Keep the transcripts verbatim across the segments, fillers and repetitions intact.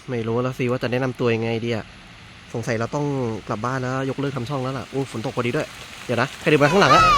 ไม่รู้แล้วสิว่าจะแนะนำตัวยังไงดีอะสงสัยเราต้องกลับบ้านแล้วยกเลิกทำช่องแล้วล่ะอู้ฝนตกพอดีด้วยเดี๋ยวนะใครเดินมาข้างหลังอะ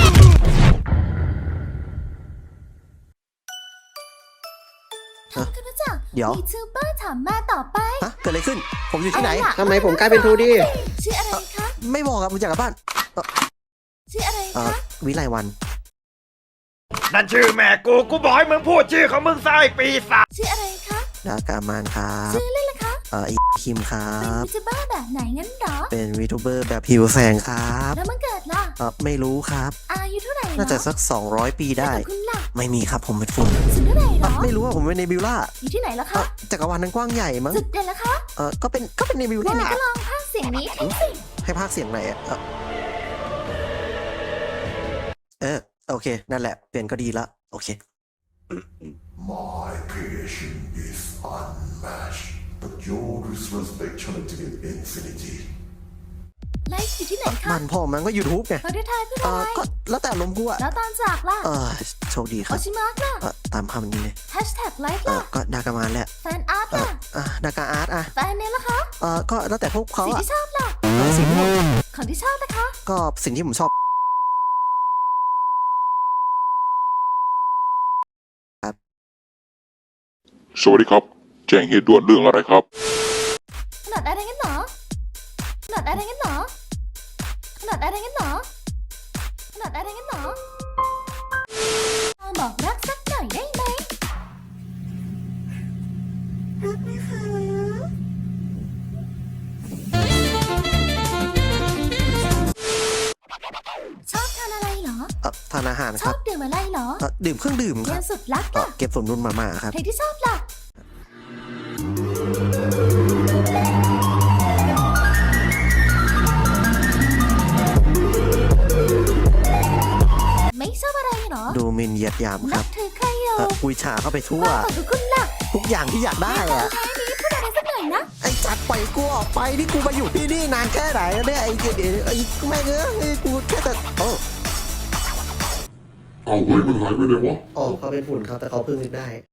เดี๋ยวยูทูบเบอร์ถามมาต่อไปฮะเกิดอะไรขึ้นผมอยู่ที่ไหนทำไมผมกลายเป็นทูดีชื่ออะไรคะไม่บอกครับผมจากกลับบ้านชื่ออะไรคะวิไลวันนั่นชื่อแม่กูกูบอกให้มึงพูดชื่อของมึงซะไอ้ปีศาจชื่ออะไรคะดากามานครับชื่อเล่นล่ะคะเอ่อคิมครับเป็นยูทูบเบอร์แบบไหนงั้นหรอเป็นวีทูเบอร์แบบผิวแสงครับแล้วมันเกิดล่ะเออไม่รู้ครับอายุเท่าไหร่น่าจะสักสองร้อยปีได้คุณล่ะไม่มีครับผมเป็นฝุ่นสุดเท่าไหร่หรอไม่รู้ว่าผมเป็นเนบิวล่าอยู่ที่ไหนล่ะคะจักรวาลนั้นกว้างใหญ่มั้งสุดเด่นล่ะคะเออก็เป็นก็เป็นเนบิวล่าก็ลองพากเสียงนี้ทิ้งสิให้พากเสียงไหนอะเออโอเคนั่นแหละเปลี่ยนก็ดีละโอเค My creation is unmatched, but yours was actually to infinity. ไลฟ์อยู่ที่ไหนคะมันพ่อมันก็ยูทูบไงเขาได้ทายเพื่ออะไรก็แล้วแต่ลมกูอะแล้วตอนจากล่ะเออโชคดีครับโอชิมาร์กล่ะตามคำนี้เลยแฮชแท็กไลฟ์เออล่ะก็ดากามานแหละแฟนอาร์ตล่ะอ่ะดากาอาร์ตอะแฟนเนลล่ะคะเออก็แล้วแต่พวกเขาสิ่งอะที่ชอบล่ะสิ่งที่ของที่ชอบนะคะก็สิ่งที่ผมชอบสวัสดีครับแจ้งเหตุด่วนเรื่องอะไรครับขนาดอะไรงั้นหรอขนาดอะไรงั้นหรอขนาดอะไรงั้นหรอขนาดอะไรงั้นหรอบอกรักสักหน่อยได้ไหมรักนะคะชอบทานอะไรเหรอเออทานอาหารชครัอบบดื่มอะไรเหรอเออดื่มเครื่องดื่มครับเกมสุดรักอะเก็บสมดุลมาม่าครับเพลงที่ชอบล่ะไม่ชอบอะไรเหรอดูมินเหยียดหยามครับนับถือใครอยู่ปุยฉาเข้าไปทั่วขอบคุณล่ะทุกอย่างที่อยากได้อะท้ายนี้พูดอะไรสักหน่อยนะไอ้จัดปล่อยกูออกไปนี่กูมาอยู่ที่นี่นานแค่ไหนเนี่ยไอ้เดี๋ยวไอ้แม่งเอ้ยกูแค่แต่โอ้เอาเฮ้ยมันหายไปไหนวะอ๋อเขาเป็นฝุ่นครับแต่เขาเพิ่งนึกได้